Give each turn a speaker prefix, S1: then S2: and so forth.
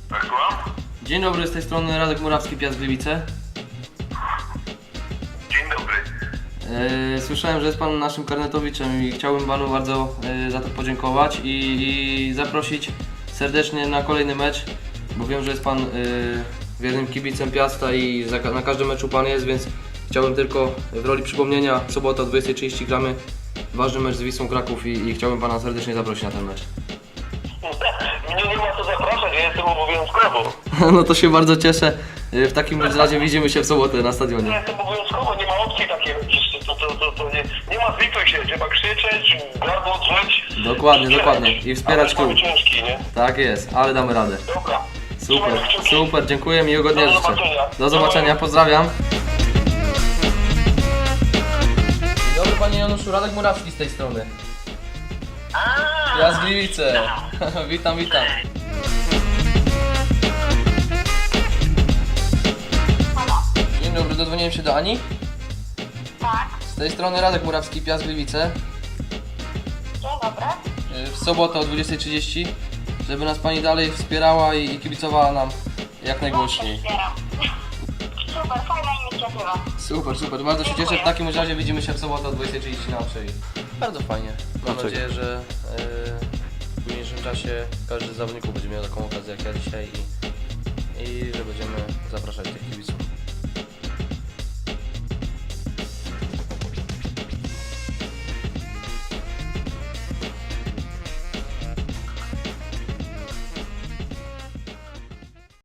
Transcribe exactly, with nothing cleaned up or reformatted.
S1: Tak, słucham?
S2: Dzień dobry, z tej strony Radek Murawski, Piast Gliwice.
S1: Dzień dobry.
S2: E, Słyszałem, że jest Pan naszym karnetowiczem i chciałbym Panu bardzo e, za to podziękować i, i zaprosić serdecznie na kolejny mecz, bo wiem, że jest Pan e, wiernym kibicem Piasta i za, na każdym meczu Pan jest, więc chciałbym tylko w roli przypomnienia, w sobotę o dwudziestej trzydzieści gramy ważny mecz z Wisłą Kraków i, i chciałbym Pana serdecznie zaprosić na ten mecz.
S1: Mnie nie ma co zapraszać, ja jestem obowiązkowo.
S2: No to się bardzo cieszę. W takim razie widzimy się w sobotę na stadionie.
S1: Ja jestem obowiązkowo, nie ma opcji takiej. To, to, to, to nie, nie ma zlituj się, trzeba krzyczeć, gardło drzeć.
S2: Dokładnie, dokładnie. I wspierać klub.
S1: ciężki, nie?
S2: Tak jest, ale damy radę.
S1: Dobra.
S2: Super,
S1: Trzymaj kciuki.
S2: super, dziękuję, miłego dnia
S1: Do
S2: życzę.
S1: zobaczenia.
S2: Do zobaczenia, pozdrawiam. Dzień dobry Panie Januszu, Radek Murawski z tej strony. Ja z Gliwice. Witam, witam. Dzień dobry, dodzwoniłem się do Ani.
S3: Tak,
S2: Z tej strony Radek Murawski, Piast Gliwice.
S3: dzień dobry.
S2: W sobotę o dwudziestej trzydzieści, żeby nas Pani dalej wspierała i, i kibicowała nam jak najgłośniej.
S3: Wspieram. Super, fajna inicjatywa.
S2: Super, super, bardzo się cieszę. W takim razie widzimy się w sobotę o dwudziestej trzydzieści na Oczei. Bardzo fajnie. Mam
S4: Dlaczego?
S2: nadzieję, że e, w późniejszym czasie każdy z zawodników będzie miał taką okazję jak ja dzisiaj i, i że będziemy zapraszać tych kibiców